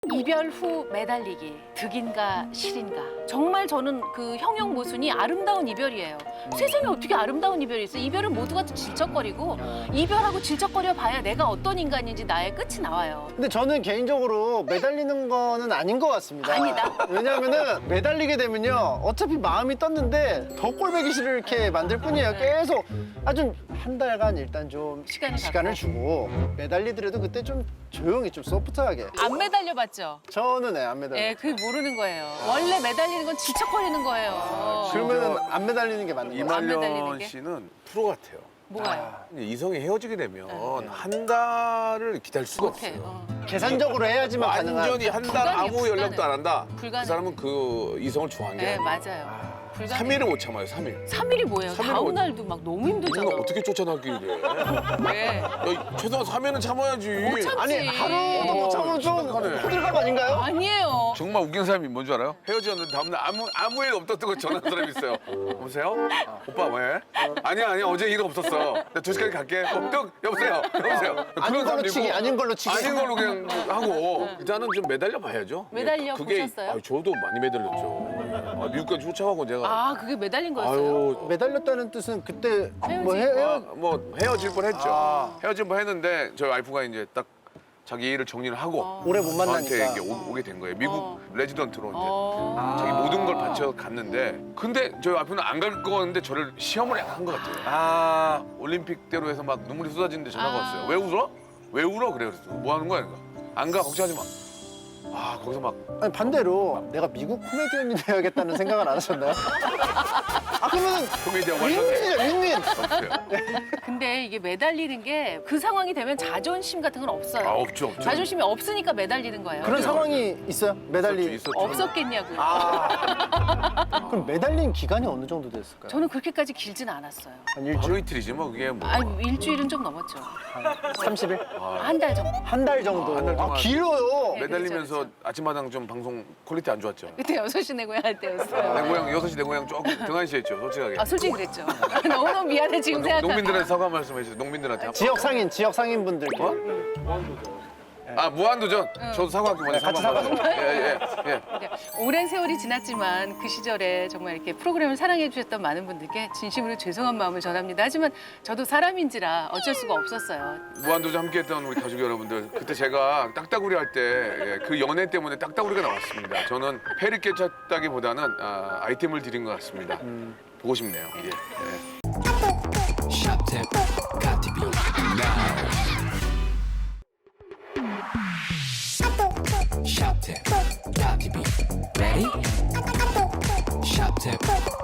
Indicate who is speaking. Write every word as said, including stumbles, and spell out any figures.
Speaker 1: 이별 후 매달리기, 득인가 실인가. 정말 저는 그 형용 모순이 아름다운 이별이에요. 세상에 어떻게 아름다운 이별이 있어? 이별은 모두가 질척거리고 이별하고 질척거려 봐야 내가 어떤 인간인지 나의 끝이 나와요.
Speaker 2: 근데 저는 개인적으로 매달리는 거는 아닌 것 같습니다.
Speaker 1: 아니다?
Speaker 2: 왜냐하면은 매달리게 되면요. 어차피 마음이 떴는데 더 꼴보기 싫을 이렇게 만들 뿐이에요. 계속 아주 한 달간 일단 좀
Speaker 1: 시간을
Speaker 2: 시간을 주고 매달리더라도 그때 좀 조용히 좀 소프트하게.
Speaker 1: 안 매달려 봤죠?
Speaker 2: 저는 네, 안 매달려.
Speaker 1: 예, 그게 모르는 거예요. 원래 매달리는 건 질척거리는 거예요.
Speaker 2: 그러면은 안 매달리는 게 맞는 거예요.
Speaker 1: 안 매달리는
Speaker 3: 이말년
Speaker 1: 게?
Speaker 3: 씨는 프로 같아요.
Speaker 1: 뭐가요?
Speaker 3: 이성이 헤어지게 되면
Speaker 1: 네.
Speaker 3: 한 달을 기다릴 수가
Speaker 1: 못해.
Speaker 3: 없어요.
Speaker 1: 어.
Speaker 2: 계산적으로 해야지만 가능한.
Speaker 3: 완전히 한 달
Speaker 1: 불가능해,
Speaker 3: 아무 연락도
Speaker 1: 불가능해.
Speaker 3: 안 한다.
Speaker 1: 불가능해.
Speaker 3: 그 사람은 그 이성을 좋아한 게
Speaker 1: 네,
Speaker 3: 아니에요.
Speaker 1: 맞아요. 불가능해.
Speaker 3: 삼 일을 못 참아요, 삼 일.
Speaker 1: 삼 일이 뭐예요?
Speaker 3: 삼 일은
Speaker 1: 다음
Speaker 3: 뭐-
Speaker 1: 날도 막 너무 힘들잖아.
Speaker 3: 누가 어떻게 쫓아나길래.
Speaker 1: 왜?
Speaker 3: 야, 최소한 삼 일은 참아야지.
Speaker 1: 못 참지.
Speaker 2: 아니 하루도 못 참으면 좀
Speaker 3: 심각하네.
Speaker 2: 호들갑 아닌가요?
Speaker 1: 아니에요.
Speaker 3: 정말 웃긴 사람이 뭔 줄 알아요? 헤어졌는데 다음날 아무 아무 일 없었던 거 전화한 사람이 있어요. 여보세요? 오빠 왜? 아니야 아니야 어제 일 없었어. 나 두 시까지 갈게. 어, 뚝 여보세요 여보세요.
Speaker 2: 아닌 걸로 치기, 아닌 걸로 치기.
Speaker 3: 아닌 걸로 그냥 하고 일단은 좀 매달려 봐야죠.
Speaker 1: 매달려
Speaker 3: 그게
Speaker 1: 보셨어요?
Speaker 3: 아, 저도 많이 매달렸죠. 아, 미국까지 쫓아가고 제가
Speaker 1: 아, 그게 매달린 거였어요?
Speaker 3: 아유
Speaker 2: 매달렸다는 뜻은 그때 뭐
Speaker 1: 헤어지-
Speaker 2: 해,
Speaker 3: 아,
Speaker 2: 헤어,
Speaker 3: 뭐 헤어질 뻔했죠.
Speaker 2: 아.
Speaker 3: 헤어질 뻔했는데 저희 와이프가 이제 딱 자기 일을 정리를 하고
Speaker 1: 어.
Speaker 2: 오래 못
Speaker 3: 저한테
Speaker 2: 만나니까.
Speaker 3: 이게 오, 오게 된 거예요. 미국
Speaker 1: 어.
Speaker 3: 레지던트로 이제
Speaker 1: 어.
Speaker 3: 자기 모든 걸 바쳐 갔는데 근데 저희 와이프는 안 갈 거였는데 저를 시험을 한 것 같아요. 아 올림픽대로 해서 막 눈물이 쏟아지는데 전화가
Speaker 1: 아.
Speaker 3: 왔어요. 왜 울어? 왜 울어? 그래 그랬어. 뭐 하는 거야? 안 가 걱정하지 마. 아 거기서 막
Speaker 2: 아니 반대로 내가 미국 코미디언이 되어야겠다는 생각을 안 하셨나요? 아 그러면
Speaker 3: 코미디언 완전
Speaker 2: 윈윈이죠 윈윈.
Speaker 1: 근데 이게 매달리는 게 그 상황이 되면 자존심 같은 건 없어요.
Speaker 3: 아 없죠 없죠.
Speaker 1: 자존심이 없으니까 매달리는 거예요.
Speaker 2: 그런 상황이 있어요? 매달리.
Speaker 3: 있었죠.
Speaker 1: 없었겠냐고요.
Speaker 2: 아 그럼 매달린 기간이 어느 정도 됐을까요?
Speaker 1: 저는 그렇게까지 길진 않았어요.
Speaker 2: 한 일주일,
Speaker 3: 하루 이틀이지 뭐 그게 뭐.
Speaker 1: 아니, 일주일은 좀 넘었죠.
Speaker 2: 삼십 일?
Speaker 1: 한 달 정도.
Speaker 2: 한 달 정도.
Speaker 3: 아, 한달 동안.
Speaker 2: 아, 길어요.
Speaker 1: 네.
Speaker 3: 매달리면서
Speaker 1: 그렇죠,
Speaker 3: 아침마당 좀 방송 퀄리티 안 좋았죠.
Speaker 1: 그때 여섯 시 내 고향 할 때였어요.
Speaker 3: 내 고향 여섯 시 내 고향 조금 등한시했죠 솔직하게.
Speaker 1: 아, 솔직히 그랬죠. 너무너무 미안해, 지금
Speaker 3: 농-
Speaker 1: 생각하면.
Speaker 3: 농민들한테 사과 말씀해 주세요. 농민들한테.
Speaker 2: 지역 상인, 지역 상인분들께.
Speaker 3: 어? 아 무한도전. 저도 사과할게요. 먼저
Speaker 2: 같이
Speaker 3: 사과. 예예 예. 예.
Speaker 1: 네, 오랜 세월이 지났지만 그 시절에 정말 이렇게 프로그램을 사랑해 주셨던 많은 분들께 진심으로 죄송한 마음을 전합니다. 하지만 저도 사람인지라 어쩔 수가 없었어요.
Speaker 3: 무한도전 함께했던 우리 가족 여러분들 그때 제가 딱따구리 할 때 그 연애 때문에 딱따구리가 나왔습니다. 저는 패를 깨쳤다기보다는 아, 아이템을 드린 것 같습니다. 보고 싶네요. 예. 예.
Speaker 4: Shop tip, got to be now. Shop tip, got to be ready. Shop tip,